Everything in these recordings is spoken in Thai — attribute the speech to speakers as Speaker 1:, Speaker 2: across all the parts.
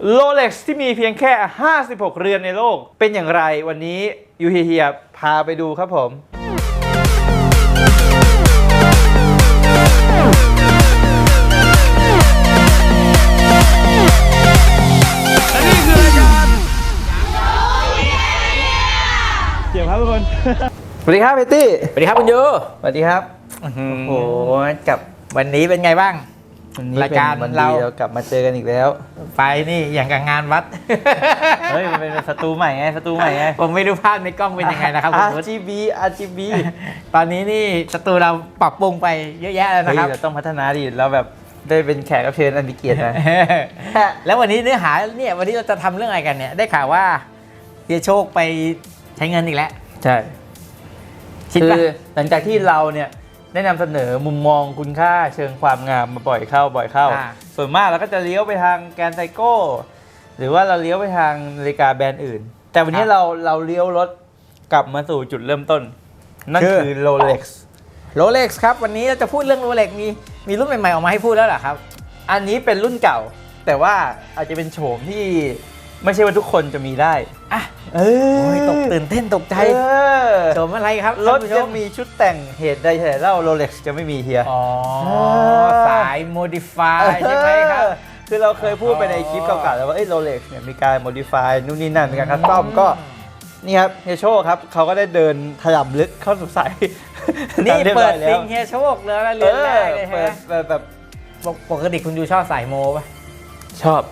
Speaker 1: Rolex ที่มีเพียงแค่56เรือนในโลกเป็นอย่างไรวันนี้ยูเฮียพาไปดูครับผมและนี่คือรายการเดี๋ยวครับทุกคนสวัสดีครับเบตตี้
Speaker 2: สวัสดีครับคุณยู
Speaker 1: สวัสดีครับ
Speaker 2: โอ้โหกับวันนี้เป็นไงบ้างรายการเรา
Speaker 1: กลับมาเจอกันอีกแล้ว
Speaker 2: ไปนี่อย่างกับงานวัด
Speaker 1: เฮ้ยมันเป็นสตูใหม่ไง
Speaker 2: ผมไม่รู้ภาพในกล้องเป็นยังไงนะครับคุณ
Speaker 1: RGB
Speaker 2: ตอนนี้นี่สตูเราปรับปรุงไปเยอะแยะแล้วนะครับ
Speaker 1: เราต้องพัฒนาดิเราแบบได้เป็นแขกรับเชิญอันมีเกียรตินะ
Speaker 2: แล้ววันนี้เนื้อหาเนี่ยวันนี้เราจะทำเรื่องอะไรกันเนี่ยได้ข่าวว่าเฮียโชคไปใช้เงินอีกแล้ว
Speaker 1: ใช่คือหลังจากที่เราเนี่ยได้นำเสนอมุมมองคุณค่าเชิงความงามมาบ่อยเข้าส่วนมากเราก็จะเลี้ยวไปทางแกรนด์ไซโก้หรือว่าเราเลี้ยวไปทางนาฬิกาแบรนด์อื่นแต่วันนี้เราเลี้ยวรถกลับมาสู่จุดเริ่มต้นนั่นคือ Rolex
Speaker 2: ครับวันนี้เราจะพูดเรื่อง Rolex มีรุ่นใหม่ๆออกมาให้พูดแล้วเหรอครับ
Speaker 1: อันนี้เป็นรุ่นเก่าแต่ว่าอาจจะเป็นโฉมที่ไม่ใช่ว่าทุกคนจะมีได้
Speaker 2: อ่ะตื่นเต้นตกใจโฉมอะไรครับ
Speaker 1: รถจะมีชุดแต่งเหตุใดแต่เล่า Rolex จะไม่มีเฮีย
Speaker 2: สาย modify ใช่ไหมครับ
Speaker 1: คือเราเคยพูดไปในคลิปเก่าๆแล้วว่าRolex เนี่ยมีการ modify นู่นนี่นั่นมีการคัสตอมก็นี่ครับเฮียโชคครับเขาก็ได้เดินถล่ำลึกเข้าสู่สาย
Speaker 2: นี่เปิดซิงเฮียโชคเลยนะเรียนแรกเลยฮะ
Speaker 1: แบบ
Speaker 2: ปกติคุณดูชอบสายโมป่ะ
Speaker 1: ชอบ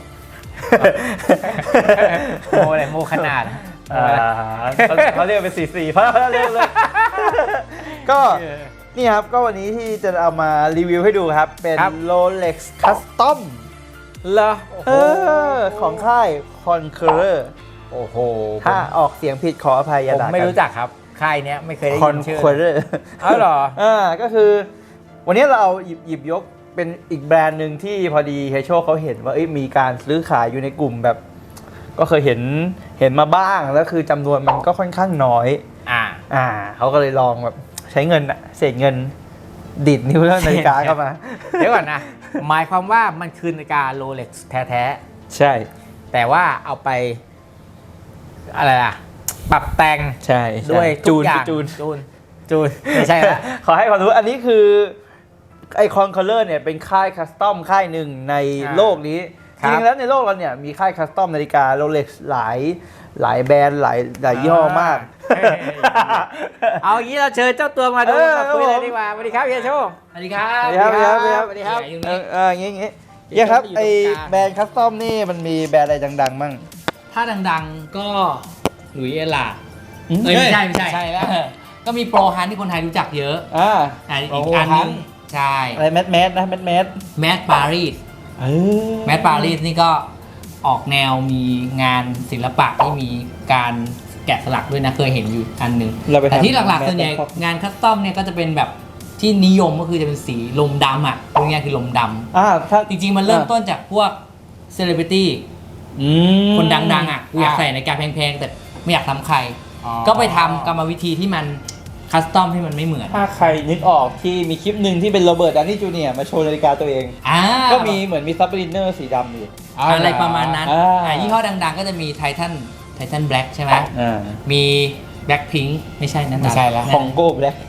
Speaker 2: โมอะไรโมขนาด
Speaker 1: เขาเรียกเป็น44เพราะเรียกเลยก็นี่ครับก็วันนี้ที่จะเอามารีวิวให้ดูครับเป็น Rolex Custom
Speaker 2: เหรอ
Speaker 1: ของค่าย Conqueror
Speaker 2: โอ้โห
Speaker 1: ถ้าออกเสียงผิดขออภัยอย่าด่ากัน
Speaker 2: ผมไม่รู้จักครับค่ายเนี้ยไม่เคยได้ยินชื่อ
Speaker 1: Conqueror
Speaker 2: เหรอ
Speaker 1: ก็คือวันนี้เราเอาหยิบยกเป็นอีกแบรนด์หนึ่งที่พอดีเฮโชเขาเห็นว่ามีการซื้อขายอยู่ในกลุ่มแบบก็เคยเห็นมาบ้างแล้วคือจำนวนมันก็ค่อนข้างน้อยเขาก็เลยลองแบบใช้เงินเศษเงินดิดนิ้วแล้วนาฬิกาเข้ามา
Speaker 2: เดี๋ยวก่อนนะหมายความว่ามันคือนาฬิกา Rolex แท้
Speaker 1: ๆใช่
Speaker 2: แต่ว่าเอาไปอะไรล่ะปรับแต่ง
Speaker 1: ใช่
Speaker 2: ด้วย
Speaker 1: จูน
Speaker 2: ไม่ใช่ละ
Speaker 1: ขอให้ความรู้อันนี้คือไอคอนคอลเลอร์เนี่ยเป็นค่ายคัสตอมค่ายหนึ่งในโลกนี้จริงๆแล้วในโลกเราเนี่ยมีค่ายคัสตอมนาฬิกา Rolex หลายแบรนด์หลายยี่ห้อมาก
Speaker 2: เอางี้เราเชิญเจ้าตัวมาดูมาคุยเลยดีกว่าสวัสดีครับเฮียโชคสวัสดีครับ
Speaker 1: สวัสดีครับอย่างงี้ครับไอแบรนด์คัสตอมนี่มันมีแบรนด์อะไรดังๆมั่ง
Speaker 3: ถ้าดังๆก็หลุยส์เอลาไม่ใช่แล้วก็มีโปรฮันที่คนไทยรู้จักเยอะอีกอันนึงใช่
Speaker 1: อะไรแมท
Speaker 3: ปารีสนี่ก็ออกแนวมีงานศิลปะที่มีการแกะสลักด้วยนะเคยเห็นอยู่อันหนึ่งแต่ที่หลักๆส่วนใหญ่งานคัสตอมเนี่ยก็จะเป็นแบบที่นิยมก็คือจะเป็นสีลมดำอ่ะพวกนี้คือลมดำจริงๆมันเริ่มต้นจากพวกเซเลบริตี้คนดังๆอ่ะอยากใส่ในการแพงๆแต่ไม่อยากทำใครก็ไปทำกรรมวิธีที่มันคัสตอมที่มันไม่เหมือน
Speaker 1: ถ้าใครนึกออกที่มีคลิปหนึ่งที่เป็นโรเบิร์ตดาวนี่จูเนียร์มาโชว์นาฬิกาตัวเองก็มีเหมือนมีซับลินเนอร์สีดำอยู่
Speaker 3: อะไรประมาณนั้นยี่ห้อดังๆก็จะมีไททันแบล็กใช่ไหมมีแบล็กพิงค์ไม่ใช่นั่น
Speaker 2: ไม่ใช่แล้ว
Speaker 1: ของโก้แบล็ก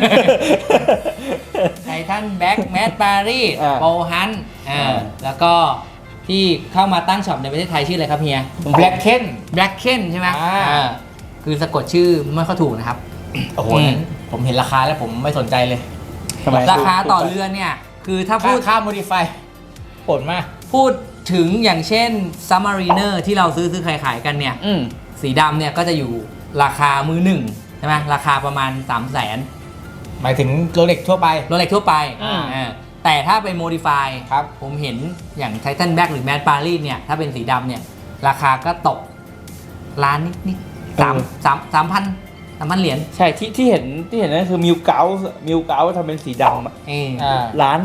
Speaker 3: ไททันแบล็กแมทปารีสโปฮันแล้วก็ที่เข้ามาตั้งช็อปในประเทศไทยชื่ออะไรครับเฮีย
Speaker 2: แบล็กเ
Speaker 3: คนใช่ไหมคือสะกดชื่อไม่ค่อยถูกนะครับ
Speaker 2: โอ้โหผมเห็นราคาแล้วผมไม่สนใจเลย
Speaker 3: ราคาต่อเรือนเนี่ยคือถ้าพูด
Speaker 2: ค่า modify ผลมาก
Speaker 3: พูดถึงอย่างเช่น Submariner ที่เราซื้อขายกันเนี่ยสีดำเนี่ยก็จะอยู่ราคามือหนึ่งใช่ไหมราคาประมาณ 300,000
Speaker 2: หมายถึงโรเล็กทั่วไป
Speaker 3: แต่ถ้าไป modify ครับผมเห็นอย่าง Titan Black หรือ Mad Paris เนี่ยถ้าเป็นสีดำเนี่ยราคาก็ตกล้านนิด3,000 เหรียญ
Speaker 1: ใช่ที่เห็นนั่นคือมิวเกาทำเป็นสีดำ1.2 ล้าน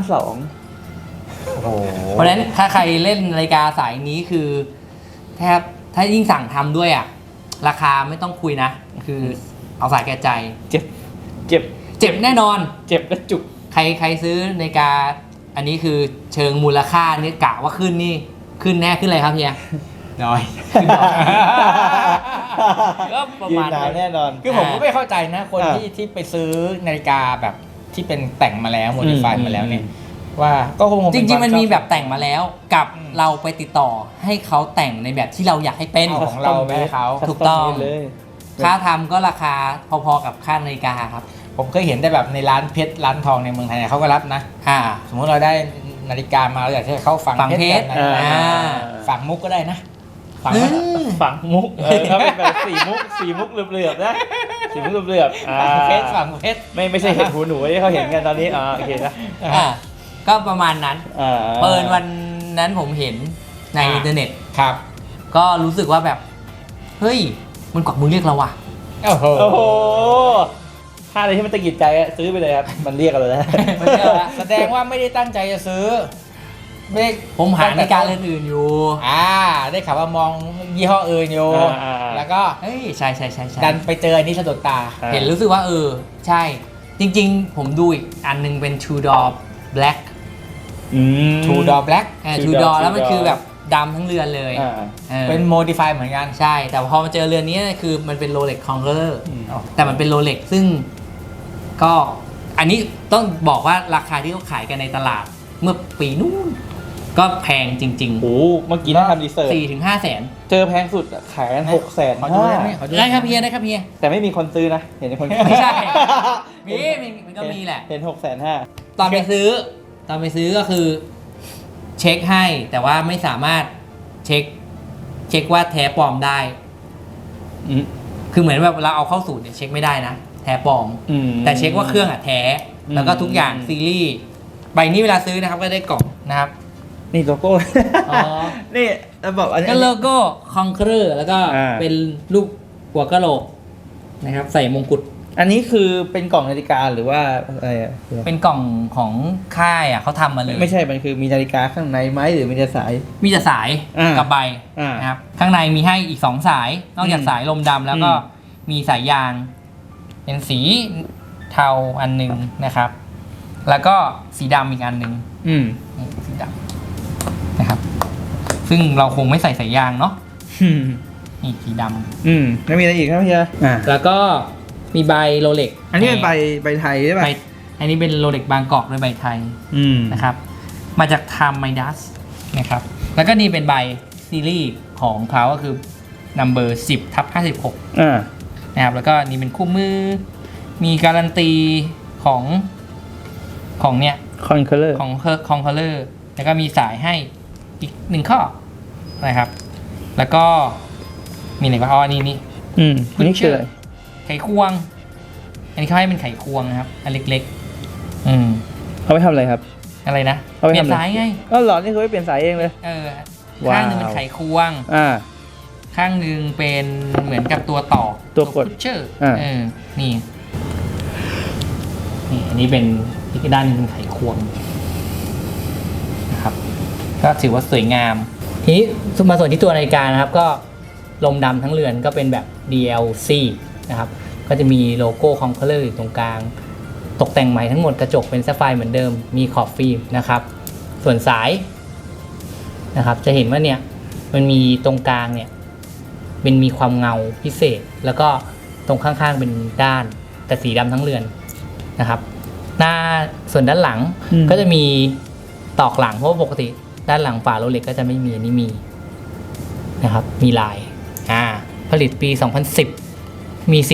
Speaker 3: เพราะฉะนั้นถ้าใครเล่นนาฬิกาสายนี้คือแทบถ้ายิ่งสั่งทำด้วยราคาไม่ต้องคุยนะคือเอาสายแก่ใจ
Speaker 1: เจ็บ
Speaker 3: แน่นอน
Speaker 1: เจ็บและจุก
Speaker 3: ใครซื้อนาฬิกาอันนี้คือเชิงมูลค่านี่กะว่าขึ้นนี่ขึ้นแน่ขึ้นอะไรครับเฮีย
Speaker 2: น้อย
Speaker 3: ก็ประ
Speaker 1: ยื
Speaker 3: มาน ณ
Speaker 1: นานแน่นอน
Speaker 2: คือผมก็ไม่เข้าใจนะคน
Speaker 1: อ่า
Speaker 2: ที่ไปซื้อนาฬิกาแบบที่เป็นแต่งมาแล้วโมดิฟายมาแล้วเนี่ยว่าก็คง
Speaker 3: จ
Speaker 2: เป็น
Speaker 3: ริงๆมันมี
Speaker 2: ควาชอ
Speaker 3: แบบแต่งมาแล้วกับเราไปติดต่อให้เขาแต่งในแบบที่เราอยากให้เป็น
Speaker 2: เอาของเราไปให้เขา
Speaker 3: ถูกต้อง
Speaker 1: เลย
Speaker 3: ค่าทำก็ราคาพอๆกับค่านาฬิกาครับ
Speaker 2: ผมเคยเห็นแต่แบบในร้านเพชรร้านทองในเมืองไทยเนี่ยเขาก็รับนะ สมมติเราได้นาฬิกามาเราอยากให้เขาฝัง
Speaker 3: ฝัง
Speaker 2: เพชร
Speaker 3: เพชร
Speaker 2: กันนะ
Speaker 3: อ่า
Speaker 2: ฝังมุกก็ได้นะฝัง
Speaker 3: เอ
Speaker 2: ไหม
Speaker 3: อ
Speaker 1: ฝังมุกถ้าเป็นแบบสีมุกเหลือบๆนะสีมุกเหลือบๆ
Speaker 2: ฝังเพชรฝังเพชร
Speaker 1: ไม่ใช่เห็ดหูหนูที่เขาเห็นกันตอนนี้โอเคนะ
Speaker 3: อ่าก็ประมาณนั้น
Speaker 1: เปิ
Speaker 3: เปิดวันนั้นผมเห็นในอินเทอร์เน็ต
Speaker 2: ครับ
Speaker 3: ก็รู้สึกว่าแบบ เฮ้ย มันกวักมือเรียกเราว่ะ
Speaker 2: โอ้โห
Speaker 1: โอ้โหถ้าอะไรที่มันตะกิดใจอะซื้อไปเลยครับมันเรียกเราแล้ว
Speaker 3: มันเรียกแล้ว
Speaker 2: แสดงว่าไม่ได้ตั้งใจจะซื้อไม่ได้
Speaker 3: ผมหานาฬิกาเรือนอื่นอยู่
Speaker 2: ได้ข่าวว่ามองยี่ห้ออื่นอยู่ แล้วก็
Speaker 3: เฮ้ย ใช่ใช่ใช่ใช่
Speaker 2: ดันไปเจออันนี้สะดุดตา
Speaker 3: เห็นรู้สึกว่าใช่ จริงๆ ผมดูอีกอันนึงเป็น Tudor Black
Speaker 2: Two Door Black
Speaker 3: Tudor แล้วมันคือแบบดำทั้งเรือนเลยออ
Speaker 2: เป็นโมดิฟายเหมือนกัน
Speaker 3: ใช่ แต่พอมาเจอเรือนนี้คือมันเป็น Rolex Conqueror
Speaker 2: อ๋อ
Speaker 3: แต่มันเป็น Rolex ซึ่งก็อันนี้ต้องบอกว่าราคาที่เขาขายกันในตลาดเมื่อปีนู้นก็แพงจริง
Speaker 1: โอ้เมื่อกี้นั่งทำรีเสิร์ช
Speaker 3: 4-5 แสน
Speaker 1: เจอแพงสุดอะขายกัน600,000
Speaker 2: ขอดูได้ไหมขอดู
Speaker 3: ได้ครับเฮียได้ครับเฮีย
Speaker 1: แต่ไม่มีคนซื้อนะ เห็นคน
Speaker 3: ไม่ใช่ มันก็มีแหละ
Speaker 1: เห็น650,000
Speaker 3: ตอนไปซื้อก็คือเช็คให้ แต่ว่าไม่สามารถเช็คว่าแท้ปลอมได้ คือเหมือนแบบเราเอาเข้าสูตรเนี่ยเช็คไม่ได้นะแท้ปลอม แต่เช็คว่าเครื่องอะแท้ แล้วก็ทุกอย่างซีรีส์ใบนี้เวลาซื้อนะครับก็ได้กล่องนะครับ
Speaker 1: นี่โลโก้
Speaker 3: อ๋อ
Speaker 1: นี่จะบอกอันนี้
Speaker 3: ก็โลโก้ Conqueror แล้วก็
Speaker 1: อ่า
Speaker 3: เป็นรูปหัวกะโหลกนะครับ ใส่มงกุฎ
Speaker 1: อันนี้คือเป็นกล่องนาฬิกาหรือว่าอะไรอะ
Speaker 3: เป็นกล่องของค่ายอ่ะเขาทำมาเลย
Speaker 1: ไม่ใช่ มันคือมีนาฬิกาข้างในไหมหรือมีแต่สาย
Speaker 3: มีแต่สาย
Speaker 1: อ่ากั
Speaker 3: กับใบ
Speaker 1: อ่าน
Speaker 3: นะครับข้างในมีให้อีก 2 สาย นอกจากสายลมดำแล้วก็มีสายยาง เป็นสีเทาอันหนึงนะครับ แล้วก็สีดำอีกอันหนึง นี่สีดำนะครับ ซึ่งเราคงไม่ใส่สายยางเนาะนี่สีดำ
Speaker 1: ไม่มีอะไรอีกครับพี่อ่า
Speaker 3: แล้วก็มีใบโรเล็ก
Speaker 1: อันนี้เป็นใบไทยใช่ป่ะ
Speaker 3: อันนี้เป็นโรเล็กบางกอกด้วยใบไทยนะครับ มาจาก Time Midas นะครับ แล้วก็นี่เป็นใบซีรีส์ของเขาก็คือ number 10/56นะครับ แล้วก็นี่เป็นคู่มือ มีการันตีของเนี่ย
Speaker 1: คอนเคอร์เลอร์
Speaker 3: ของ Conqueror แล้วก็มีสายให้อีก1ข้อนะครับ แล้วก็มีอะไรบ้างอ๋อนี่
Speaker 1: อันนี้คืออะไร
Speaker 3: ไขควง อันนี้เขาให้เป็นไขควงนะครับ อันเล็กๆ
Speaker 1: เอาไปทำอะไรครับ
Speaker 3: อะไรนะ
Speaker 1: เอาไป
Speaker 3: เปลี่
Speaker 1: ทำ
Speaker 3: ยน
Speaker 1: อะไร
Speaker 3: สายไง
Speaker 1: ก็หลอดนี่เขาไปเปลี่ยนสายเองเลย ว้าว
Speaker 3: ข้างหนึ่งเป็นไขควง ข้างหนึ่งเป็นเหมือนกับตัวต่อ
Speaker 1: ตัวกด
Speaker 3: พุชเชอร์
Speaker 1: อ่า
Speaker 3: นี่อันนี้เป็นอีกด้านหนึงเป็นไขควงนะครับ ก็ถือว่าสวยงาม ทีนี้มาส่วนที่ตัวนาฬิกานะครับ ก็ลมดำทั้งเรือนก็เป็นแบบ DLC นะครับ ก็จะมีโลโก้ Conqueror อยู่ตรงกลาง ตกแต่งใหม่ทั้งหมดกระจกเป็นแซฟไฟร์เหมือนเดิม มีขอบฟิล์มนะครับ ส่วนสายนะครับ จะเห็นว่าเนี่ยมันมีตรงกลางเนี่ยเป็นมีความเงาพิเศษ แล้วก็ตรงข้างๆเป็นด้านแต่สีดำทั้งเรือนนะครับ หน้าส่วนด้านหลังก็จะมีตอกหลังเพราะว่าปกติด้านหลังฝาโรเล็กก็จะไม่มีอันนี้มีนะครับ มีลายผลิตปี 2010 มี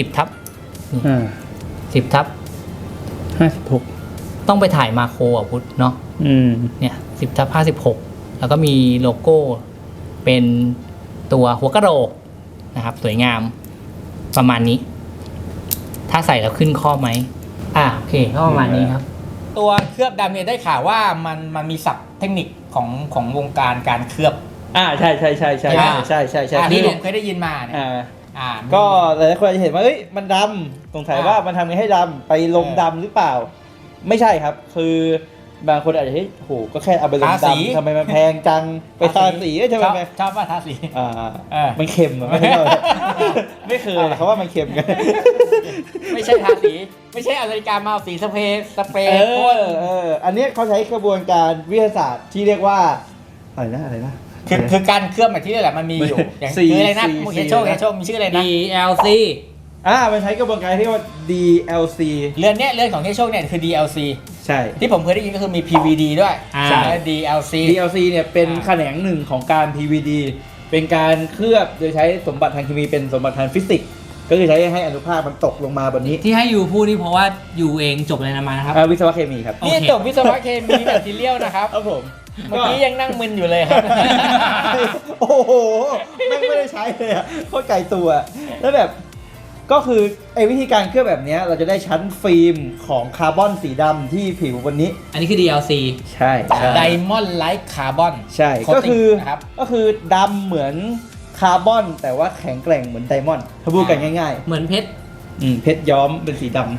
Speaker 3: 10/10/56 ต้องไปถ่ายมาโครอ่ะพุทธเนาะเนี่ย 10/56 แล้วก็มีโลโก้เป็นตัวหัวกะโหลกนะครับ สวยงามประมาณนี้ ถ้าใส่แล้วขึ้นข้อไหมโอเคก็ประมาณนี้ครับ
Speaker 2: ตัวเคลือบดำเนี่ยได้ข่าวว่ามันมีศัพท์เทคนิคของวงการการเคลือบ
Speaker 1: ใช่
Speaker 2: ที่ผมเคยได้ยินมาเนี่ย
Speaker 1: ก็หลายคนอาจจะเห็นว่าเอ้ยมันดำสงสัยว่ามันทำไงให้ดำไปลมดำหรือเปล่า ไม่ใช่ครับ คือบางคนอาจจะเฮ้ยโหก็แค่เอาไปลมดำทำไมมันแพงจังไปทาสีใช่ไหม
Speaker 2: ชอบว่าทาสี
Speaker 1: มันเค็มไม่ใช่ไม่เคยเขาว่ามันเค็มกัน
Speaker 2: ไม่ใช่ทาสีไม่ใช่เอานาฬิกามาเอาสีสเปรย์พ่น
Speaker 1: อันนี้เขาใช้กระบวนการวิทยาศาสตร์ที่เรียกว่าอะไรนะ
Speaker 2: คือการเคลือบแบบที่นี่แหละมันมีอยู่อย่างคืออะไรนะเฮโชคมีชื่ออะไรนะ
Speaker 3: DLC
Speaker 1: มันใช้กระบวนการที่เรียกว่า DLC
Speaker 2: เรือนของเฮโชคเนี่ยคือ DLC
Speaker 1: ใช่
Speaker 2: ที่ผมเคยได้ยินก็คือมี PVD ด้วย
Speaker 3: ใช่
Speaker 2: แล้ว DLC
Speaker 1: DLC เนี่ยเป็นแขนงหนึ่งของการ PVD เป็นการเคลือบโดยใช้สมบัติทางเคมีเป็นสมบัติทางฟิสิกส์ก็คือใช้ให้อนุภาคมันตกลงมาบนนี้
Speaker 3: ที่ให้ยูพูดนี่เพราะว่ายูเองจบอะไรมานะครับ
Speaker 1: วิศวะเคมีครับ
Speaker 2: นี่จบวิศวะเคมีแมททีเรียลนะครับ
Speaker 1: ครับผม
Speaker 2: เมื่อกี้ยังนั่งมึนอยู่เลยครับ
Speaker 1: โอ้โหไม่ได้ใช้เลยอะโคตรไกลตัว แล้วแบบก็คือวิธีการเคลือบแบบนี้เราจะได้ชั้นฟิล์มของคาร์บอนสีดำที่ผิวบนนี้
Speaker 3: อันนี้คือ DLC
Speaker 1: ใช่ใช่
Speaker 2: ไดมอนด์ไลท์คาร์บอน
Speaker 1: ใช่
Speaker 2: Coating
Speaker 1: ก็คือ
Speaker 2: นะครับ
Speaker 1: ก็คือดำเหมือนคาร์บอนแต่ว่าแข็งแกร่งเหมือนไดมอนด์ถ้าพูดกันง่าย
Speaker 3: เหมือนเพชร
Speaker 1: ๆเพชรย้อมเป็นสีดำ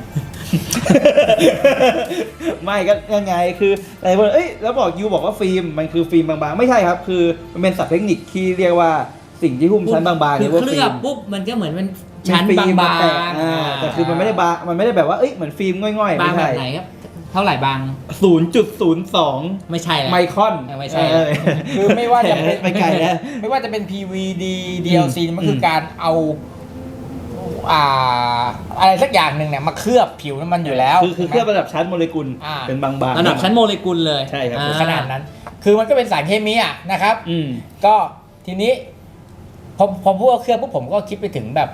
Speaker 1: ไม่ก็ยังไงคืออะไรพวกแล้วบอกยูบอกว่าฟิล์มมันคือฟิล์มบางๆไม่ใช่ครับคือมันเป็นศัพท์เทคนิคที่เรียกว่าสิ่งที่หุ้มชั้นบางๆ
Speaker 3: คื
Speaker 1: เรี
Speaker 3: อย
Speaker 1: กว่า
Speaker 3: เคลื
Speaker 1: ฟิ
Speaker 3: อ
Speaker 1: ล์
Speaker 3: บ
Speaker 1: ม
Speaker 3: ปุ๊บมันก็เหมือนเป็นชั้น
Speaker 1: ฟิล์ม
Speaker 3: บาง
Speaker 1: แตก
Speaker 3: ๆ
Speaker 1: แต่คือมันไม่ได้บางมันไม่ได้แบบว่าเหมือนฟิล์มง่อยๆ
Speaker 3: บาง
Speaker 1: ไม่
Speaker 3: แบ
Speaker 1: ใช่
Speaker 3: บไหนครับ เท่าไหร่บาง
Speaker 1: 0.02
Speaker 3: ไม่ใช่แล้ว
Speaker 1: ไมครอน
Speaker 3: ไม่ใช่
Speaker 2: คือไม่ว่าจะเป็น
Speaker 1: ไปไกลแล้ว
Speaker 2: ไม่ว่าจะเป็น PVD DLC มันคือการเอาอะไรสักอย่างหนึ่งเนี่ยมาเคลือบผิวน้ำมันอยู่แล้ว
Speaker 1: คือเคลือบระดับชั้นโมเลกุล
Speaker 2: อ่า
Speaker 1: เป็นบางๆ
Speaker 3: ระดับชั้นโมเลกุลเลย
Speaker 1: ใช่ครับ
Speaker 3: อ่
Speaker 2: ขนาดนั้น คือมันก็เป็นสารเคมีอ่ะนะครับ ก็ทีนี้พอพูดว่าเคลือบปุ๊บผมก็คิดไปถึงแบบ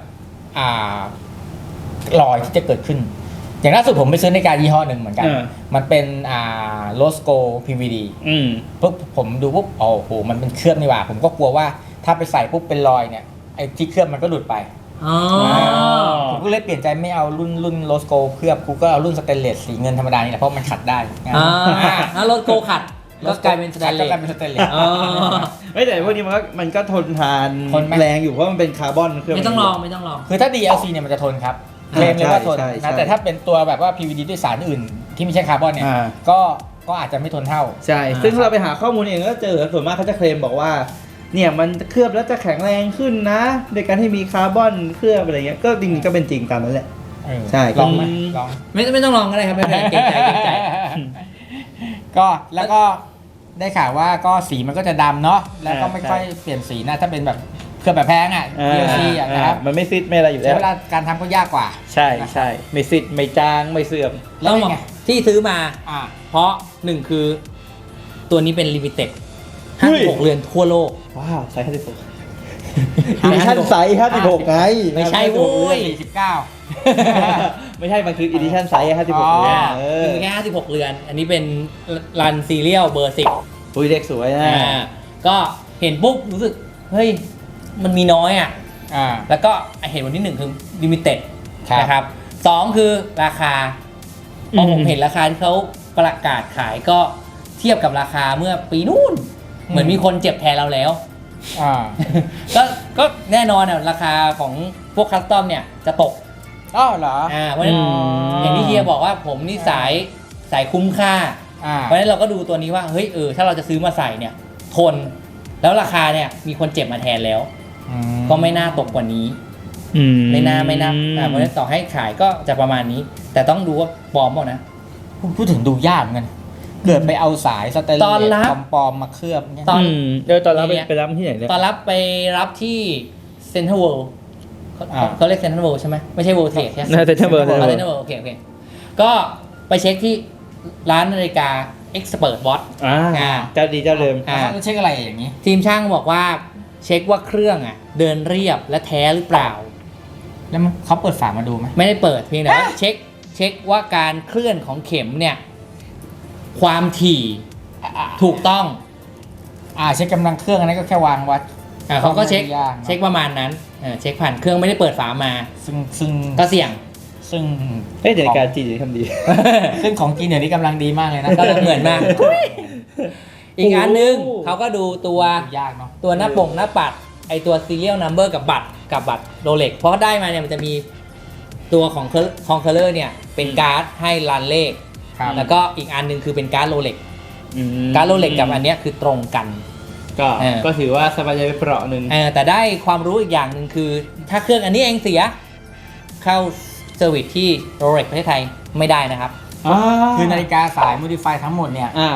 Speaker 2: รอยที่จะเกิดขึ้น อย่างล่าสุดผมไปซื้อนาฬิกายี่ห้อหนึ่งเหมือนกัน มันเป็นโลสโก PVD ปุ๊บผมดูปุ๊บโอ้โหมันเป็นเคลือบนี่หว่า ผมก็กลัวว่าถ้าไปใส่ปุ๊บเป็นรอยเนี่ยไอ้ที่เคลือบมันก็หลุดไป
Speaker 3: อ๋อ
Speaker 2: ผมก็เลยเปลี่ยนใจไม่เอารุ่นโลสโกเคลือบกูก็เอารุ่นสเตนเลสสีเงินธรรมดานี่แหละเพราะมันขัดได้
Speaker 3: แล้วรถโกขัดก็กลายเป็นสแตนเล
Speaker 2: ก็
Speaker 3: ส
Speaker 2: กลายเป็นสเตนเลส
Speaker 1: แต่พวกนี้มันก็ทนทาน
Speaker 2: ทนไหม
Speaker 1: แรงอยู่เพราะมันเป็นคาร์บอนเคลือบ
Speaker 3: ไม่ต้องลองไม่ต้องลอง
Speaker 2: คือถ้า DLC เนี่ยมันจะทนครับเคลมเลยว่าทน
Speaker 1: ใช่
Speaker 2: นะแต่ถ้าเป็นตัวแบบว่า PVD ด้วยสารอื่นที่ไม่ใช่คาร์บอนเนี่ยก็อาจจะไม่ทนเท่า
Speaker 1: ใช่ ซึ่งเราไปหาข้อมูลเองก็เจอส่วนมากเขาจะเคลมบอกว่าเนี่ยมันเคลือบแล้วจะแข็งแรงขึ้นนะโดยการที่มีคาร์บอนเคลือบอะไรเงี้ยก็จริงๆก็เป็นจริงตามนั้นแหละ ใช่
Speaker 2: ลองไหมลอง
Speaker 3: ไม่ต้องลองก็ได้ครับไม่เป็นไรเกรงใจเกรงใจ
Speaker 2: ก็แล้วก็ได้ข่าวว่าก็สีมันก็จะดำเนาะแล้วก็ไม่ค่อยเปลี่ยนสีนะถ้าเป็นแบบเคลือบแบบแพงอ่ะ DLC อ่ะนะครับ
Speaker 1: มันไม่ซิดไม่อะไรอยู่แล้
Speaker 2: ใช้
Speaker 1: ว
Speaker 2: เวลาการทำก็ยากกว่า
Speaker 1: ใช่ไม่ซิดไม่จางไม่เสื่อม
Speaker 2: แล้ว
Speaker 3: ต้อง
Speaker 2: ยั
Speaker 3: บอก
Speaker 2: งไง
Speaker 3: ที่ซื้อมา
Speaker 2: อ่า
Speaker 3: เพราะหนึ่งคือตัวนี้เป็นลิมิเต็ด
Speaker 1: เฮ้ย
Speaker 3: 56เรือนทั่วโลก
Speaker 1: ว้าวไซส์56อีดิชั่นไซส์56ไง
Speaker 3: ไม่ใช่โว้ย
Speaker 2: 49
Speaker 1: ไม่ใช่มันคืออีดิชั่นไซส์56
Speaker 2: อ๋อ
Speaker 3: คือแค่56เรือน อันนี้เป็นรันซีเรียลเบอร์ 10
Speaker 1: อุ้ยเด็กสวยนะ
Speaker 3: ก็เห็นปุ๊บรู้สึก เฮ้ย มันมีน้อยอ่ะ
Speaker 2: อ่า
Speaker 3: แล้วก็เห็นวันที่ 1 คือลิมิเต็ด
Speaker 2: ครับ
Speaker 3: นะครับ2คือราคาพอผมเห็นราคาที่เขาประกาศขายก็เทียบกับราคาเมื่อปีนู่น เหมือนมีคนเจ็บแทนเราแล้ว
Speaker 2: อ่า
Speaker 3: ก็แน่นอนอ่ะราคาของพวกคัสตอมเนี่ยจะตก
Speaker 2: อ๋อเหรอ
Speaker 3: เพราะฉะนั้นอย่างที่เฮียบอกว่าผมนี่สายคุ้มค่า เพราะฉะนั้นเราก็ดูตัวนี้ว่าเฮ้ยถ้าเราจะซื้อมาใส่เนี่ยทนแล้วราคาเนี่ยมีคนเจ็บมาแทนแล้ว ก็ไม่น่าตกกว่านี้ไม่น่าเพราะฉะนั้นต่อให้ขายก็จะประมาณนี้ แต่ต้องดูว่าปลอมเปล่านะ
Speaker 2: พูดถึงดูยากเหมือนกันเกิดไปเอาสายสเตนเล
Speaker 3: ตอนรั
Speaker 2: ส
Speaker 3: บ
Speaker 2: ปลอมๆมาเคลือบเนี่ย
Speaker 3: ตอน
Speaker 1: ตอนรับไปรับที่ไหนเนี่ย
Speaker 3: ตอนรับไปรับที่เซ็นทรัลเวิลด์เขาเรียกเซ็นทรัลเวิลด์ใช่ไหมไม่ใช่เวิลด์เทรดใช่ไหม
Speaker 1: น่าจะเซ็นทรัลเวิลด์
Speaker 3: เซ็นทรัลเวิลด์โอเคก็ไปเช็คที่ร้านนาฬิกา Expert Watch
Speaker 1: เจ้าดีเจ้าเดิม
Speaker 2: แล้วเช็คอะไรอย่างนี้
Speaker 3: ทีมช่างบอกว่าเช็คว่าเครื่องเดินเรียบและแท้หรือเปล่า
Speaker 2: แล้วเขาเปิดฝามาดูไหม
Speaker 3: ไม่ได้เปิดเพียงแต่ว่าเช็คว่าการเคลื่อนของเข็มเนี่ยความถี่ถูกต้อง
Speaker 2: เช็คกำลังเครื่องอันนั้นก็แค่วางวัด
Speaker 3: เขาก็เช็ค
Speaker 2: ไม่ยากเนอะ
Speaker 3: เช็คประมาณนั้นเช็คผ่านเครื่องไม่ได้เปิดฝามา
Speaker 2: ซึ่ง
Speaker 3: ก็เสี่ยง
Speaker 2: ซึ่ง
Speaker 1: นาฬิกาจีนทำดี
Speaker 2: ซึ่งของกินเดี๋ยวนี้กำลังดีมากเลยนะ
Speaker 3: ก็เหมือนมาก อีกอันนึงเขาก็ดูตัวย
Speaker 2: ากเนาะ
Speaker 3: ตัวหน้าปงหน้าปัดไอตัว serial number กับบัตรโรเล็กเพราะได้มาเนี่ยมันจะมีตัวของเคอร์เลอร์เนี่ยเป็นการ์ดให้รันเลข
Speaker 2: ครับ
Speaker 3: แล้วก็อีกอันนึงคือเป็นการ์ดโรเล็กการ์ดโรเล็กกับอันเนี้ยคือตรงกัน
Speaker 1: ก็ถือว่าสบายใจไปเปราะหนึ่ง
Speaker 3: แต่ได้ความรู้อีกอย่างหนึ่งคือถ้าเครื่องอันนี้เองเสียเข้าเซอร์วิสที่โรเล็กประเทศไทยไม่ได้นะครับ
Speaker 2: คือนาฬิกาสาย modify ทั้งหมดเนี่ย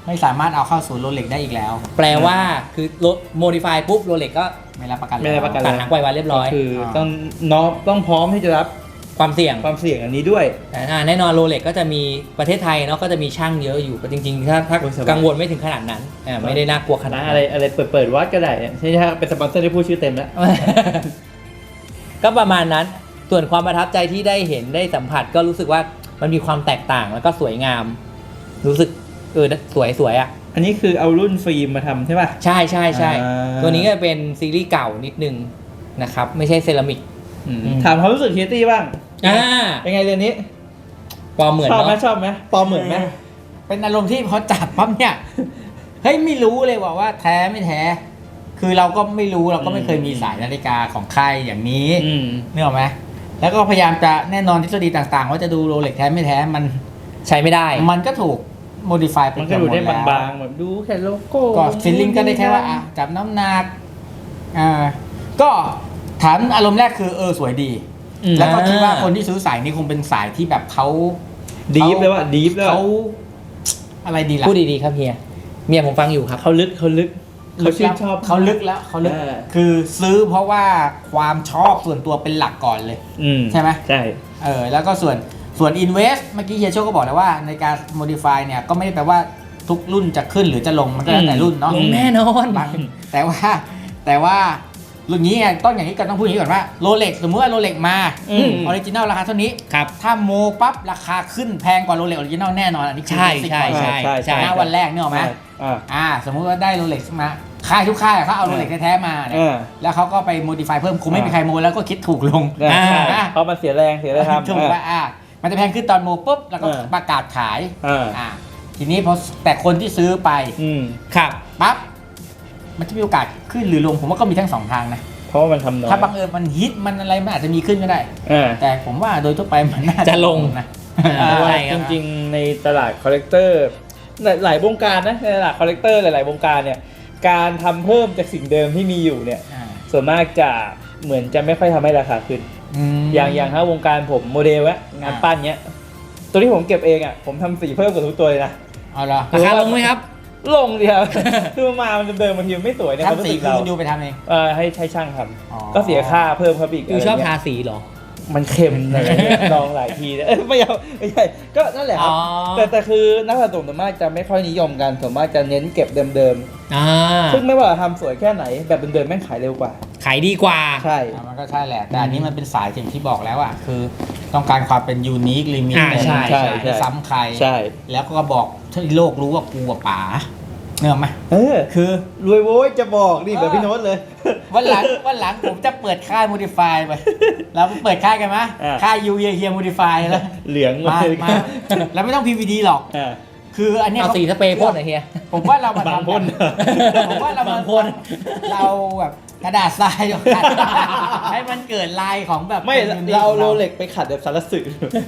Speaker 2: ไม่สามารถเอาเข้าสู่โรเล็กได้อีกแล้ว
Speaker 3: แปลว่าคือโมดิฟายปุ๊บโรเล็กก็
Speaker 2: ไม่รับประกัน
Speaker 1: ไม่รับประกัน
Speaker 3: ตัดหางไววันเรียบร้อย
Speaker 1: ก็คือต้องพร้อมที่จะรับ
Speaker 3: ความเสี่ยง
Speaker 1: อันนี้ด้วย
Speaker 3: แน่นอนโรเล็กก็จะมีประเทศไทยเนาะก็จะมีช่างเยอะอยู่จริงๆถ้า
Speaker 1: โอ้ยสบาย
Speaker 3: กังวลไม่ถึงขนาดนั้นไม่ได้น่ากลัวขนาด
Speaker 1: นะ
Speaker 3: นั้น
Speaker 1: อะไรเปิดวัดก็ได้เนี่ยใช่ไหมครับเป็นสปอนเซอร์ที่พูดชื่อเต็มแล้ว
Speaker 3: ก็ประมาณนั้นส่วนความประทับใจที่ได้เห็นได้สัมผัสก็รู้สึกว่ามันมีความแตกต่างแล้วก็สวยงาม รู้สึกสวยอ่ะ
Speaker 1: อันนี้คือเอารุ่นฟิล์มมาทำใช่ป่ะ
Speaker 3: ใช่ใช่ใช่
Speaker 1: อ่า
Speaker 3: ตัวนี้ก็เป็นซีรีส์เก่านิดนึงนะครับไม่ใช่เซรามิก
Speaker 1: ถามความรู้สึกเฮียตี้บ้าง เป็นไงเรื่องนี้
Speaker 3: ปลอมเหมือน
Speaker 1: ชอบไหม
Speaker 3: เนาะ
Speaker 1: ชอบไหมปลอมเหมือนไหม
Speaker 2: เป็นอารมณ์ที่พอจับปั๊บเนี่ยเฮ้ยไม่รู้เลยว่าแท้ไม่แท้ คือเราก็ไม่รู้เราก็ไม่เคยมีสายนาฬิกาของค่ายอย่างนี้นึกออกไหมแล้วก็พยายามจะแน่นอนทฤษฎีต่างๆ ว่าจะดูโรเล็กแท้ไม่แท้มัน
Speaker 3: ใช้ไม่ได้
Speaker 2: มันก็ถูกโมดิฟายไป
Speaker 1: มันก็ดูได้
Speaker 2: หมแล้ว
Speaker 1: บางๆแบบดูแค่โลโก้
Speaker 2: ก็ฟีลลิ่งก็ได้แค่ว่าจับน้ำหนักก็ถามอารมณ์แรกคือสวยดี แล้วก็คิดว่าคนที่ซื้อสายนี้คงเป็นสายที่แบบเขา
Speaker 1: ดีฟเลยว่ะดีฟเลย
Speaker 2: เขาอะไรดีล่ะ
Speaker 3: พูดดีๆครับเมียผมฟังอยู่ครับ
Speaker 1: เขาลึกเขาชื่นชอบ
Speaker 2: เขาลึกแล้วเขาลึก
Speaker 1: เออ
Speaker 2: คือซื้อเพราะว่าความชอบส่วนตัวเป็นหลักก่อนเลย ใช่ไหม
Speaker 1: ใช่
Speaker 2: แล้วก็ส่วน invest เมื่อกี้เฮียโชคก็บอกแล้วว่าในการ modify เนี่ยก็ไม่ได้แปลว่าทุกรุ่นจะขึ้นหรือจะลงมันก็แล้วแต่รุ่นเนาะ
Speaker 3: ลงแน่นอน
Speaker 2: บางแต่ว่ารุ่นนี้ไงต้องอย่างนี้ก่อนต้องพูดอย่างนี้ก่อนว่าโรเล็กสมมติว่าโรเล็กมาออริจินัลราคาเท่านี้
Speaker 3: ครับ
Speaker 2: ถ้าโมปั๊บราคาขึ้นแพงกว่าโรเล็กออริจินัลแน่นอนอันนี้คือ
Speaker 3: ใช่
Speaker 2: basic
Speaker 3: ใช่
Speaker 2: ก่อน
Speaker 3: ใช่
Speaker 2: ณวันแรกเนี่ยหรอกไหม สมมุติว่าได้โรเล็กมาค่ายทุกค่ายเขาเอาโรเล็กแท้ๆมาเนี่ยแล้วเขาก็ไปโมดิฟายเพิ่มคงไม่มีใครโมแล้วก็คิดถูกลง
Speaker 1: เพราะมันเสียแรงทำ
Speaker 2: ถูกว่ามันจะแพงขึ้นตอนโมปุ๊บแล้วก็ประกาศขายทีนี้พอแต่คนที่ซื้อไป
Speaker 3: ครับ
Speaker 2: ปั๊บมันจะมีโอกาสขึ้นหรือลงผมว่าก็มีทั้งสองทางนะ
Speaker 1: เพราะว่ามันทำน้อย
Speaker 2: ถ้าบังเอิญมันฮิตมันอะไรมันอาจจะมีขึ้นก็ได้ แต่ผมว่าโดยทั่วไปมันน่า
Speaker 3: จะลง
Speaker 2: นะ
Speaker 1: เพราะว่า
Speaker 3: ใช่ค
Speaker 1: จ
Speaker 3: รับ
Speaker 1: ริงๆในตลาดคอลเลกเตอร์หลายวงการนะในตลาดคอลเลกเตอร์หลายๆวงการเนี่ยการทำเพิ่มจากสิ่งเดิมที่มีอยู่เนี่ยส่วนมากจะเหมือนจะไม่ค่อยทำให้ราคาขึ้น อย่างถ้าวงการผมโมเดลงานปั้นเนี้ยตัวที่ผมเก็บเองอ่ะผมทำสีเพิ่มกับทุกตัวเลยนะ
Speaker 2: เอาละ
Speaker 3: ราคาลงไหมครับ
Speaker 1: ลงเดียว คือมันเดิมบางทีมันไม่สวยในความ
Speaker 2: ทำ
Speaker 1: รู้
Speaker 2: สี
Speaker 1: สึก
Speaker 2: คื
Speaker 1: เรา
Speaker 2: อดูไปทำเอง
Speaker 1: ให้ใช้ช่างท
Speaker 2: อ๋อ
Speaker 1: ำก็เสียค่าเพิ่มครับอีก
Speaker 3: อยู่ชอบ
Speaker 1: ะไร
Speaker 3: ทา
Speaker 1: เงี้ย
Speaker 3: สีเหรอ
Speaker 1: มันเค็มอะไรเงี้ยลองหลายทีแล้วไม่เอาไม่ใช่ก็นั่นแหละครับ
Speaker 3: อ๋อ
Speaker 1: แต่คือนักสะสมส่วนมากจะไม่ค่อยนิยมกันส่วนมากจะเน้นเก็บเดิม
Speaker 3: อ่า
Speaker 1: ๆซึ่งไม่ว่าทำสวยแค่ไหนแบบเดิมๆแม่งขายเร็วกว่า
Speaker 3: ขายดีกว่า
Speaker 1: ใช่
Speaker 2: มันก็ใช่แหละแต่อันนี้มันเป็นสายอย่างที่บอกแล้วอ่ะคือต้องการความเป็นยูนิคลิมิต
Speaker 3: ใช่
Speaker 2: ไม่ซ้ำใคร
Speaker 1: ใช่
Speaker 2: แล้วก็บอกให้โลกรู้ว่ากูกับป๋าเนกอะไหม คือ
Speaker 1: รวยโว้ยจะบอกนี่แบบพี่โน้ตเลย
Speaker 2: วันหลังผมจะเปิดค่าย modify ไปเราเปิดค่ายกันไหม
Speaker 1: อ่า
Speaker 2: ค่ายยูเฮีย modify แล้ว
Speaker 1: เหลือง
Speaker 2: มา
Speaker 1: เลย
Speaker 2: แล้วไม่ต้อง PVD หรอก
Speaker 1: อ่า
Speaker 2: คืออันเนี้ย
Speaker 3: เอาสีสเปรย์พ่นหน่อยเฮีย
Speaker 2: ผมว่าเรามา
Speaker 1: บาง
Speaker 2: ทำ
Speaker 1: พ่น
Speaker 2: ผมว่าเรา
Speaker 3: บาม
Speaker 2: าง
Speaker 3: พ่น
Speaker 2: เราแบบกระดาษทรายเดียวกันให้มันเกิดลายของแบบ
Speaker 1: ไม่
Speaker 2: ป็น unique
Speaker 1: เรา
Speaker 2: ของ
Speaker 1: โรเล็กไปขัดแบบสารสึก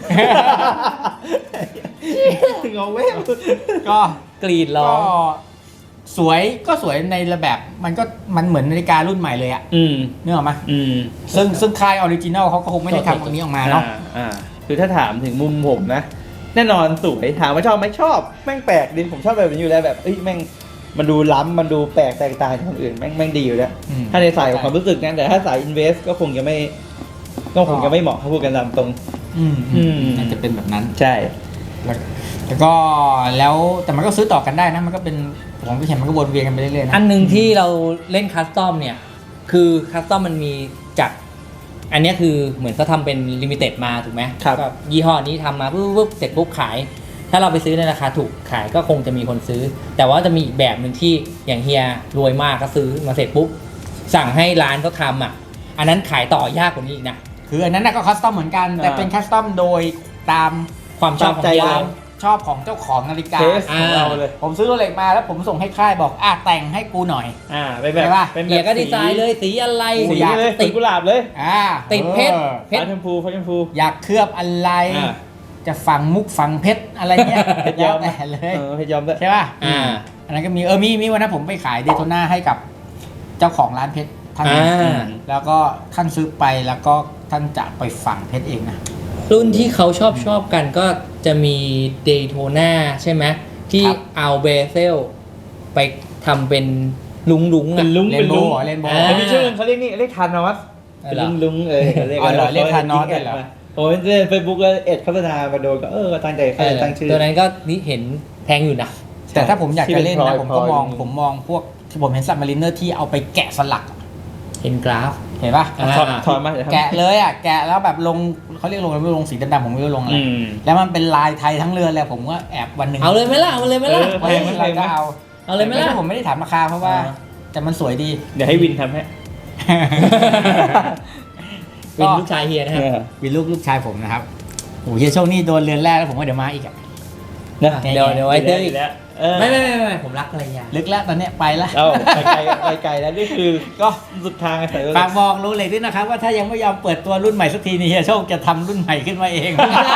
Speaker 1: เงาเว้ย
Speaker 2: ก็
Speaker 3: กรีดร้อ
Speaker 2: ก็
Speaker 3: ง
Speaker 2: สวยในระแบบมันเหมือนนาฬิการุ่นใหม่เลยอะนึกออกไหมซึ่งค่ายออริจินัลเขาก็คงไม่ได้ทำตรงนี้ออกมาเนาะ
Speaker 1: คือถ้าถามถึงมุมผมนะ แน่นอนสวยถามว่าชอบไหมชอบแม่งแปลกดิผมชอบแบบนี้อยู่แล้วแบบแม่งมันดูล้ำมันดูแปลกแตกต่างจากคนอื่นแม่งดีอยู่แล้วถ้าในสายของความรู้สึกนะแต่ถ้าสายอินเวสก็คงจะไม่เหมาะเขาพูดกันตามตรง
Speaker 2: น่าจะเป็นแบบนั้น
Speaker 1: ใช่
Speaker 2: แล้วก็แล้วแต่มันก็ซื้อต่อกันได้นะมันก็เป็นผมก็เห็นมันก็วนเวียนกันไปเรื่อยๆนะ
Speaker 3: อันหนึ่งที่เราเล่นคัสตอมเนี่ย คือคัสตอมมันมีจาก อันเนี้ยคือเหมือนเขาทำเป็นลิมิเต็ดมาถูกไหม
Speaker 1: ครับ
Speaker 3: ก็ยี่ห้อนี้ทำมาปุ๊บเสร็จปุ๊บขาย ถ้าเราไปซื้อในราคาถูกขายก็คงจะมีคนซื้อ แต่ว่าจะมีอีกแบบหนึ่งที่อย่างเฮียรวยมากก็ซื้อมาเสร็จปุ๊บสั่งให้ร้านเขาทำอ่ะ อันนั้นขายต่อยากกว่านี้อีกนะ
Speaker 2: คืออันนั้นก็คัสตอมเหมือนกันแต่เป็นคัสตอมโดยตาม
Speaker 3: ความชอบของ
Speaker 1: ใจ
Speaker 3: เฮีย
Speaker 1: เรา
Speaker 2: ชอบของเจ้าของนาฬิกา
Speaker 1: เทสของเราเลย
Speaker 2: ผมซื้อโรเล็กมาแล้วผมส่งให้ค่ายบอกแต่งให้กูหน่อย
Speaker 1: เป็นแบบ
Speaker 2: ใช่ปะ
Speaker 1: เป็นแบ
Speaker 3: เฮีย
Speaker 1: บ
Speaker 3: ก็ดีไซน์เลยสีอะไร
Speaker 1: สี
Speaker 2: อยาก
Speaker 1: เลย
Speaker 3: ติ
Speaker 1: สี
Speaker 3: ด
Speaker 1: กุหลาบเลย
Speaker 3: ติดเพชร
Speaker 1: ฟ้าชมพูฟ้าชมพู
Speaker 2: อยากเคลือบอะไร
Speaker 1: อ่า
Speaker 2: จะฝังมุกฝังเพชรอะไรเงี้ย
Speaker 1: เพชรย้อม
Speaker 2: แล้วแต่เลย
Speaker 1: เพชรย้อมด้วย
Speaker 2: ใช่ป่ะ อันนั้นก็มีวันนั้นผมไปขายเดโทน่าให้กับเจ้าของร้านเพชรท่านหนึ่ง แล้วก็ท่านซื้อไปแล้วก็ท่านจะไปฝังเพชรเองนะ
Speaker 3: รุ่นที่เขาชอบกันก็จะมีเดโทน่าใช่ไหมที่
Speaker 2: ครับ
Speaker 3: เอาเบเซลไปทำเป็นลุงๆ
Speaker 1: เป็
Speaker 3: อ่ะ
Speaker 1: นลุง
Speaker 2: เร
Speaker 1: เป็น น
Speaker 2: โบ
Speaker 1: ลุง
Speaker 2: ว์เรนโบว์
Speaker 1: แต่มีชื่อเขาเรียกนี่เรียกทานอสเป็นลุงเรียก
Speaker 2: อ๋อเหรอเรียกทานอสด้วยเหรอ
Speaker 1: ผมเล่นเฟซบุ๊กแล้วเอ็ดโฆษณามาโดนก็ตั้งใจเขาตั้งชื่อ
Speaker 3: ตัวนั้นก็นี่เห็นแพงอยู่นะ
Speaker 2: แต่ถ้าผมอยากจะเล่น
Speaker 1: ที่เป็
Speaker 2: นะ
Speaker 1: น
Speaker 2: ผม
Speaker 1: พล
Speaker 2: ก็
Speaker 1: อย
Speaker 2: มอง
Speaker 1: พลอย
Speaker 2: ผมมองพวกที่ผมเห็นซับมารีเนอร์ที่เอาไปแกะสลัก
Speaker 3: เห็นกราฟ
Speaker 2: เห็นปะ
Speaker 3: อ่า
Speaker 1: ถอนมาเดี๋ยวทำ
Speaker 2: แกะเลยอ่ะแกะแล้วแบบลงเขาเรียกลงอะไรไม่รู้ลงสีดำๆผมไม่รู้ลงอะไร
Speaker 1: อืม
Speaker 2: แล้วมันเป็นลายไทยทั้งเรือนเลยผมก็แอบวันหนึ่ง
Speaker 3: เอาเลยไหมล่ะเอาเลยไหมล่ะ
Speaker 1: เออ
Speaker 2: วันหนึ่งเราก็เอา
Speaker 3: เอาเลยไหมล่ะ
Speaker 2: แต่ผมไม่ได้ถามราคาเพราะว่า
Speaker 3: อ่า
Speaker 2: แต่มันสวยดี
Speaker 1: เดี๋ยวให้วินทำให้
Speaker 3: วินลูกชายเฮียนะครับ
Speaker 2: วินลูกชายผมนะครับโอ้ยโชคนี่โดนเรือนแรกแล้วผมว่าเดี๋ยวมาอีกอะ
Speaker 1: นะ
Speaker 3: เดี๋ยวไว้เจออีก
Speaker 1: แล้ว
Speaker 3: ไม่ผมรักภรรยา
Speaker 2: ลึกแล้วตอนเนี้ยไปละ
Speaker 1: เอาไปไกลแล้วนี่คือก็สุดทางใส่รถ
Speaker 2: ฝากบอกรู้เลยด้วยนะครับว่าถ้ายังไม่ยอมเปิดตัวรุ่นใหม่สักทีนี่เฮียโชคจะทำรุ่นใหม่ขึ้นมาเอง
Speaker 3: ไม่ได้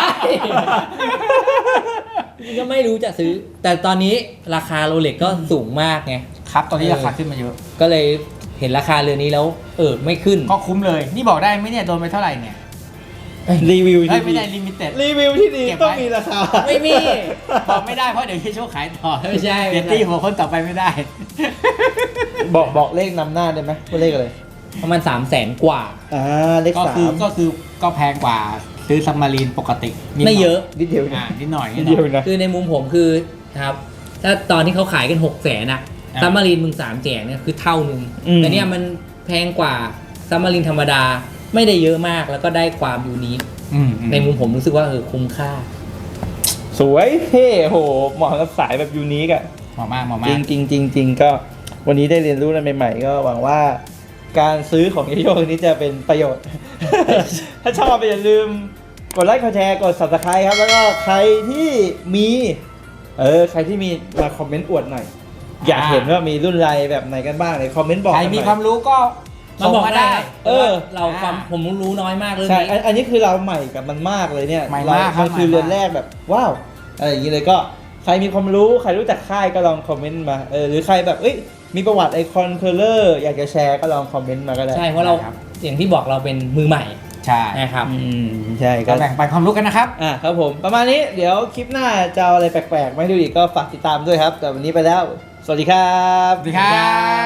Speaker 3: ก็ไม่รู้จะซื้อ แต่ตอนนี้ราคาโรเล็กก็สูงมากไง
Speaker 2: ครับตอนนี้ราคาขึ้นมาเยอะ
Speaker 3: ก็เลยเห็นราคาเรือนนี้แล้วไม่ขึ้น
Speaker 2: ก็คุ้มเลย นี่บอกได้ไหมเนี่ยโดนไปเท่าไหร่เนี่ย
Speaker 1: รีวิว
Speaker 2: เฮ้
Speaker 1: ที่
Speaker 2: ยไม่
Speaker 1: ดี
Speaker 2: ได้ลิมิเต็ด
Speaker 1: รีวิวที่ดี
Speaker 2: เก็บไว้
Speaker 1: ต้องมีราคา
Speaker 3: ไม่มี
Speaker 2: บอกไม่ได้เพราะเดี๋ยวเฮียโชคขายต่อ
Speaker 3: ไม่ใช่
Speaker 2: เดี๋ยวตี้หัวคนต่อไปไม่ได้
Speaker 1: บอกเลขนำหน้าได้ไหมว่าเลขอะไร
Speaker 3: ประมาณ300,000 กว่า
Speaker 1: เลข
Speaker 2: ก็
Speaker 1: สา
Speaker 2: คือ
Speaker 1: ม
Speaker 2: ก็แพงกว่าซื้อซัมมารีนปกตินิดหน่
Speaker 3: ไม่เยอะ
Speaker 1: นิดเดียว
Speaker 2: นิดหน่อย
Speaker 1: นิดเดียวนะ
Speaker 3: คือในมุมผมคือครับ ถ้าตอนที่เขาขายกัน600,000อ่ะซัมมารีนมึง300,000เนี่ยคือเท่านึง แต่เนี่ยมันแพงกว่าซัมมารีนธรรมดาไม่ได้เยอะมากแล้วก็ได้ความยูนิค ในมุมผมรู้สึกว่าคุ้มค่า
Speaker 1: สวยเท่โหเหมาะกับสายแบบยูนิคอะ
Speaker 2: เหมาะมากเหมาะ
Speaker 1: จ
Speaker 2: มา
Speaker 1: ริ
Speaker 2: ก
Speaker 1: งจริงจริงจริงก็วันนี้ได้เรียนรู้อะไรใหม่ๆ ก็หวังว่าการซื้อของโยกนี้จะเป็นประโยชน์ ถ้าชอบอย่าลืมกดไลค์กดแชร์กด subscribe ครับ แล้วก็ใครที่มีใครที่มีมาคอมเมนต์อวดหน่อย อยากเห็นว่ามีรุ่นไรแบบไหนกันบ้างในคอมเมนต์บอก
Speaker 2: ใคร
Speaker 1: กันห
Speaker 2: มี
Speaker 1: น่อย
Speaker 2: ความรู้ก็
Speaker 3: มา
Speaker 2: ส่ง
Speaker 3: บอก
Speaker 2: มา
Speaker 3: ได้
Speaker 2: ได้
Speaker 3: เราความผมรู้น้อยมากเรื่อง
Speaker 1: ใช่
Speaker 3: นี้
Speaker 1: อันนี้คือเราใหม่กับมันมากเลยเนี่ย
Speaker 2: ใหม่มากครับ
Speaker 1: มันคือ
Speaker 2: ใหม่มาก
Speaker 1: เรือนแรกแบบว้าวอะไรอย่างนี้เลยก็ใครมีความรู้ใครรู้จักค่ายก็ลองคอมเมนต์มาหรือใครแบบมีประวัติไอคอนเคอร์เลอร์อยากจะแชร์ก็ลองคอมเมนต์มาก็ได้
Speaker 3: ใช่เพราะเรา
Speaker 2: ครับ
Speaker 3: อย่างที่บอกเราเป็นมือใหม่
Speaker 2: ใช่
Speaker 3: นะครับ
Speaker 1: ใช่
Speaker 2: ก็แบ่งปันความรู้กันนะครับ
Speaker 1: ครับผมประมาณนี้เดี๋ยวคลิปหน้าจะเอาอะไรแปลกๆไม่ดูอีกก็ฝากติดตามด้วยครับ แต่วันนี้ไปแล้ว สวัสดีครับ
Speaker 2: สวัสดีครับ